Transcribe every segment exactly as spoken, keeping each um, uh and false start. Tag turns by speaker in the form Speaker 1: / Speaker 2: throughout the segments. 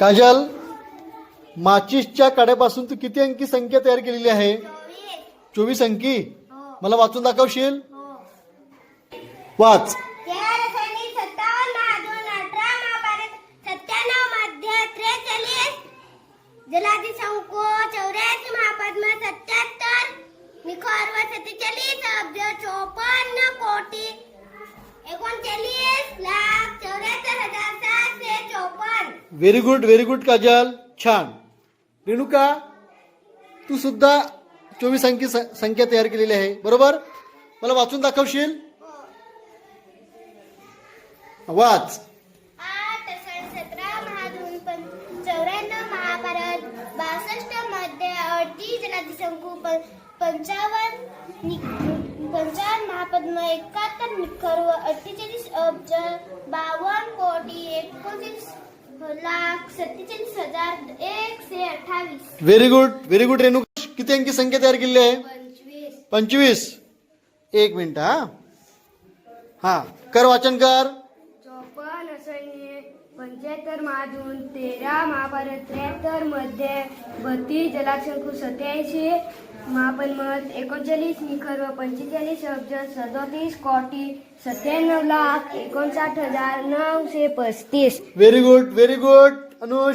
Speaker 1: काजल, माचीसच्या काड्यापासून तू किती अंकी संख्या तयार केलेली आहे? चोवीस अंकी. मला वाचून दाखवशील? वाच.
Speaker 2: जलाधी शंको चौऱ्याऐंशी महापद्म सत्याहत्तर निखर व सत्तेचाळीस अब्ज चोपन्न कोटी एकोणचाळीस लाख चौऱ्याहत्तर हजार सातशे चोपन्न.
Speaker 1: Very good, very good Kajal, छान. रेणुका, तू सुद्धा चोवीस अंकी संख्या तयार केलेली आहे, बरोबर? मला वाचून दाखवशील? वाच.
Speaker 2: आठ सतरा महाधून चौऱ्याण्णव महाभारत बासष्ट मध्ये अडतीस जलाधी शंकू पंचावन्न पंचावन्न महापद्म एकाहत्तर निखर व अठ्ठेचाळीस अब्ज बावन्न कोटी एकोणतीस लाख सत्तेचाळीस हजार एकशे अठ्ठावीस.
Speaker 1: Very good, very good. Renuka, किती अंकी संख्या तयार केलेली आहे?
Speaker 2: पंचवीस.
Speaker 1: पंचवीस. एक मिनिट. हा हा कर, वाचन कर.
Speaker 3: चोपन्न सैन्य पंच्याहत्तर महाधून तेरा महाभारत त्र्याहत्तर मध्ये बत्तीस जलाशंकू सत्याऐंशी महापद्मत एकोणचाळीस निखर व पंचेचाळीस अब्ज सदोतीस कोटी सत्त्याण्णव लाख एकोणसाठ हजार नऊशे पस्तीस.
Speaker 1: Very good, very good. Anush.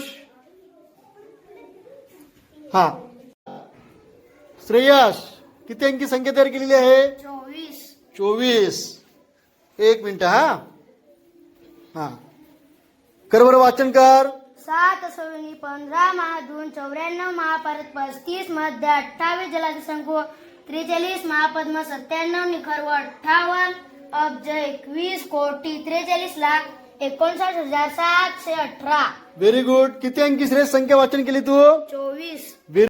Speaker 1: हा श्रेयस, किती अंकी संख्या तयार केलेली आहे?
Speaker 2: चोवीस.
Speaker 1: चोवीस. एक मिनिट. हा हा कर बरं, वाचन कर.
Speaker 2: सात सवनी पंधरा महाधून चौऱ्याण्णव महाभारत पस्तीस मध्ये अठ्ठावीस जलाधी शंकू त्रेचाळीस महापद्म सत्त्याण्णव निखर व अठ्ठावन्न अब्ज एकवीस कोटी त्रेचाळीस लाख एकोणसाठ हजार सातशे अठरा.
Speaker 1: Very good. किती अंकी श्रेयस संख्या वाचन केली तू?
Speaker 2: चोवीस.